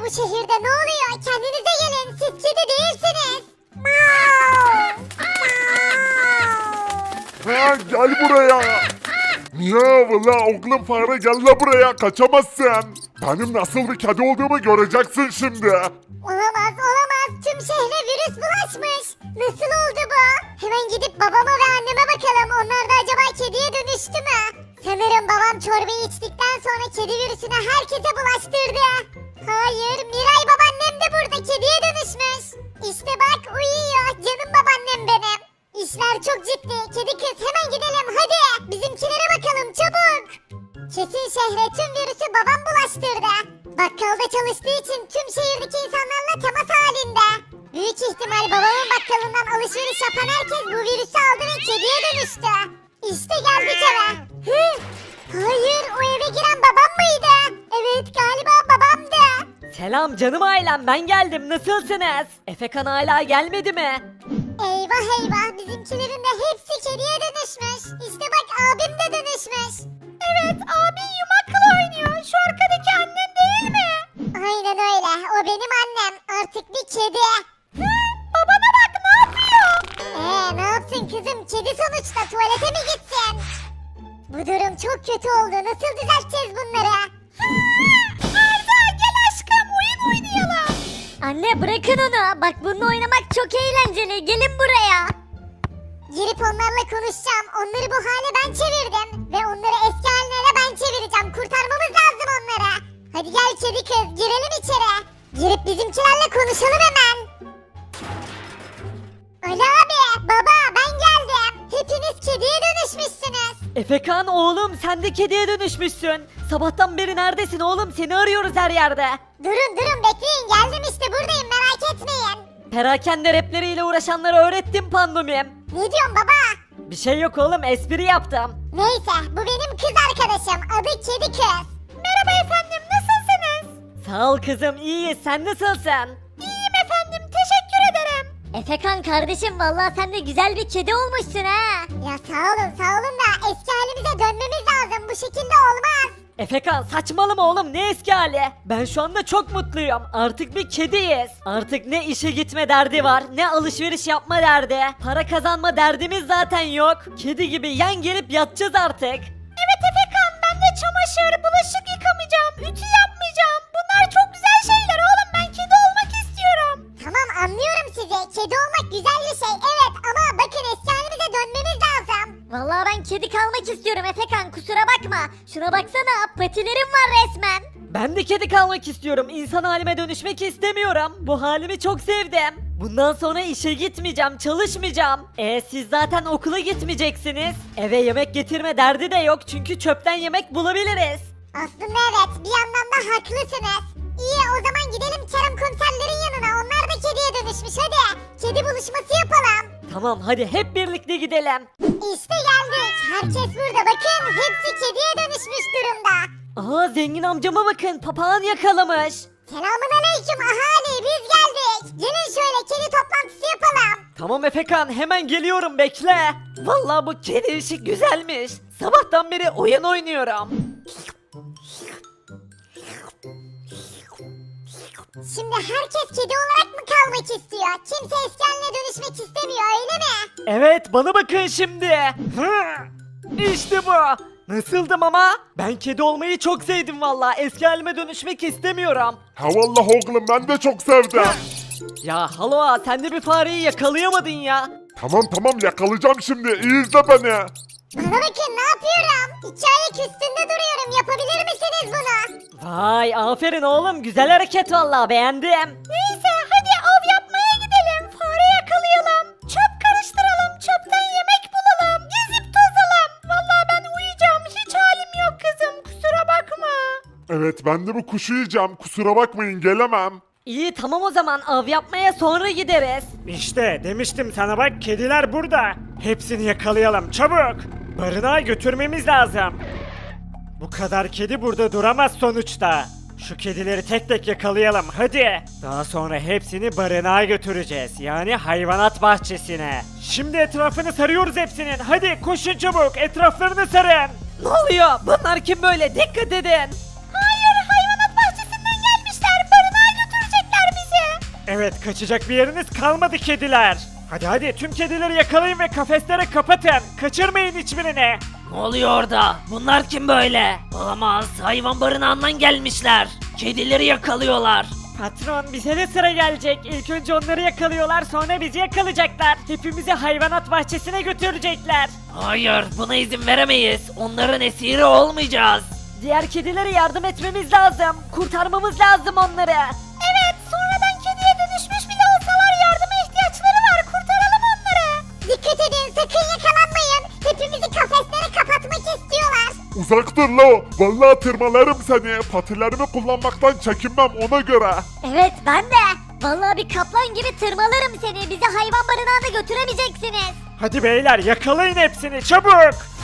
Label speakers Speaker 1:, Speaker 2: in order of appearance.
Speaker 1: bu şehirde ne oluyor? Kendinize gelin. Siz kedi değilsiniz.
Speaker 2: Ha, gel buraya. Ya valla oğlum fare gel la buraya kaçamazsın. Benim nasıl bir kedi olduğumu göreceksin şimdi.
Speaker 1: Olamaz olamaz. Tüm şehre virüs bulaşmış. Nasıl oldu bu? Hemen gidip babama ve anneme bakalım. Onlar da acaba kediye dönüştü mü? Sanırım babam çorbayı içtikten sonra kedi virüsünü herkese bulaştırdı. Hayır, Miray babaannem de burada kediye dönüşmüş. İşte bak uyuyor canım babaannem benim. İşler çok ciddi. Kedi kız hemen gidelim hadi. Bizimkilere bakalım çabuk. Kesin şehre tüm virüsü babam bulaştırdı. Bakkalda çalıştığı için tüm şehirdeki insanlarla temas halinde. Büyük ihtimal babamın bakkalından alışveriş yapan herkes bu virüsü aldı ve kediye dönüştü. İşte geldik eve. Hı? Hayır o eve giren babam mıydı? Evet galiba babamdı.
Speaker 3: Selam canım ailem, ben geldim, nasılsınız? Efekan hala gelmedi mi?
Speaker 1: Eyvah eyvah bizimkilerin de hepsi kediye dönüşmüş. İşte bak abim de dönüşmüş. Evet abin yumakla oynuyor. Şu arkadaki annen değil mi? Aynen öyle o benim annem. Artık bir kedi. Babana bak ne yapıyor? Ne yapsın kızım kedi sonuçta tuvalete mi gitsin? Bu durum çok kötü oldu. Nasıl düzelteceğiz bunları? Arda gel aşkım oyun oynayalım.
Speaker 4: Anne bırakın onu. Bak bununla oynamak çok eğlenceli. Gelin buraya.
Speaker 1: Girip onlarla konuşacağım. Onları bu hale ben çevirdim. Ve onları eski haline ben çevireceğim. Kurtarmamız lazım onları. Hadi gel kedi kız girelim içeri. Girip bizimkilerle konuşalım hemen. Ali abi baba ben geldim. Hepiniz kediye dönüşmüşsünüz.
Speaker 3: Efekan oğlum, sen de kediye dönüşmüşsün. Sabahtan beri neredesin oğlum, seni arıyoruz her yerde.
Speaker 1: Durun bekleyin geldim işte buradayım merak etmeyin.
Speaker 3: Perakende rapleriyle uğraşanlara öğrettim pandomim.
Speaker 1: Ne diyorsun baba?
Speaker 3: Bir şey yok oğlum, espri yaptım.
Speaker 1: Neyse bu benim kız arkadaşım adı kedi kız. Merhaba efendim nasılsınız?
Speaker 3: Sağ ol kızım, iyiyiz, sen nasılsın?
Speaker 1: İyiyim efendim teşekkür ederim.
Speaker 4: Efekan kardeşim vallahi sen de güzel bir kedi olmuşsun ha.
Speaker 1: Ya sağ olun da eski halimize dönmemiz lazım bu şekilde olmaz.
Speaker 3: Efekan saçmalama oğlum, ne eski hali? Ben şu anda çok mutluyum. Artık bir kediyiz. Artık ne işe gitme derdi var, ne alışveriş yapma derdi. Para kazanma derdimiz zaten yok. Kedi gibi yan gelip yatacağız artık.
Speaker 1: Evet Efekan ben de çamaşır, bulaşık yıkamayacağım, ütü yapmayacağım. Bunlar çok güzel şeyler oğlum ben kedi olmak istiyorum. Tamam anlıyorum sizi. Kedi olmak güzel bir şey evet ama bakın eski halimize dönmemiz lazım.
Speaker 4: Vallahi ben kedi kalmak istiyorum Efekan kusura bakma. Şuna baksana patilerim var resmen.
Speaker 3: Ben de kedi kalmak istiyorum. İnsan halime dönüşmek istemiyorum. Bu halimi çok sevdim. Bundan sonra işe gitmeyeceğim, çalışmayacağım. Siz zaten okula gitmeyeceksiniz. Eve yemek getirme derdi de yok çünkü çöpten yemek bulabiliriz.
Speaker 1: Aslında evet bir yandan da haklısınız. İyi o zaman gidelim Kerem komiserlerin yanına onlar da kediye dönüşmüş hadi. Kedi buluşması yapalım.
Speaker 3: Tamam hadi hep birlikte gidelim.
Speaker 1: İşte geldik. Herkes burada bakın hepsi kediye dönüşmüş durumda.
Speaker 3: Aa zengin amcama bakın, papağan yakalamış.
Speaker 1: Selamun aleyküm ahali biz geldik. Gelin şöyle kedi toplantısı yapalım.
Speaker 3: Tamam Efekan, hemen geliyorum, bekle. Vallahi bu kedi işi güzelmiş. Sabahtan beri oyun oynuyorum.
Speaker 1: Şimdi herkes kedi olarak mı kalmak istiyor? Kimse eski haline dönüşmek istemiyor öyle mi?
Speaker 3: Evet, bana bakın şimdi. Hı, İşte bu. Nasıldım ama? Ben kedi olmayı çok sevdim valla. Eski halime dönüşmek istemiyorum.
Speaker 2: Ha vallahi oğlum ben de çok sevdim.
Speaker 3: Ya Haloa, sen de bir fareyi yakalayamadın ya.
Speaker 2: Tamam yakalayacağım şimdi iyi izle beni.
Speaker 1: Bana bakın ne yapıyorum? İki ayak üstünde duruyorum yapabilir misiniz bunu?
Speaker 3: Vay aferin oğlum, güzel hareket valla, beğendim.
Speaker 1: Neyse hadi av yapmaya gidelim. Fare yakalayalım. Çöp karıştıralım. Çöpten yemek bulalım. Gezip tozalım. Vallahi ben uyuyacağım. Hiç halim yok kızım. Kusura bakma.
Speaker 2: Evet ben de bu kuşu yiyeceğim kusura bakmayın gelemem.
Speaker 3: İyi tamam, o zaman av yapmaya sonra gideriz.
Speaker 5: İşte demiştim sana bak kediler burada. Hepsini yakalayalım çabuk. Barınağa götürmemiz lazım. Bu kadar kedi burada duramaz sonuçta. Şu kedileri tek tek yakalayalım hadi. Daha sonra hepsini barınağa götüreceğiz. Yani hayvanat bahçesine. Şimdi etrafını sarıyoruz hepsinin. Hadi koşun çabuk etraflarını sarın.
Speaker 3: Ne oluyor? Bunlar kim böyle? Dikkat edin.
Speaker 1: Hayır hayvanat bahçesinden gelmişler. Barınağa
Speaker 5: kaçacak bir yeriniz kalmadı kediler. Hadi tüm kedileri yakalayın ve kafeslere kapatın. Kaçırmayın hiçbirini.
Speaker 3: Ne oluyor orada? Bunlar kim böyle? Olamaz. Hayvan barınağından gelmişler. Kedileri yakalıyorlar.
Speaker 5: Patron bize de sıra gelecek. İlk önce onları yakalıyorlar, sonra bizi yakalayacaklar. Hepimizi hayvanat bahçesine götürecekler.
Speaker 3: Hayır, buna izin veremeyiz. Onların esiri olmayacağız. Diğer kedilere yardım etmemiz lazım. Kurtarmamız lazım onları.
Speaker 1: Evet, sonradan kediye dönüşmüş bile olsalar yardıma ihtiyaçları var. Kurtaralım onları. Dikkat edin, sakın yakalanmayın. Hepimizi kafeslere kapatmak istiyorlar.
Speaker 2: Uzak dur lo. Vallahi tırmalarım seni. Patilerimi kullanmaktan çekinmem ona göre.
Speaker 4: Evet ben de. Vallahi bir kaplan gibi tırmalarım seni. Bizi hayvan barınağına götüremeyeceksiniz.
Speaker 5: Hadi beyler yakalayın hepsini çabuk.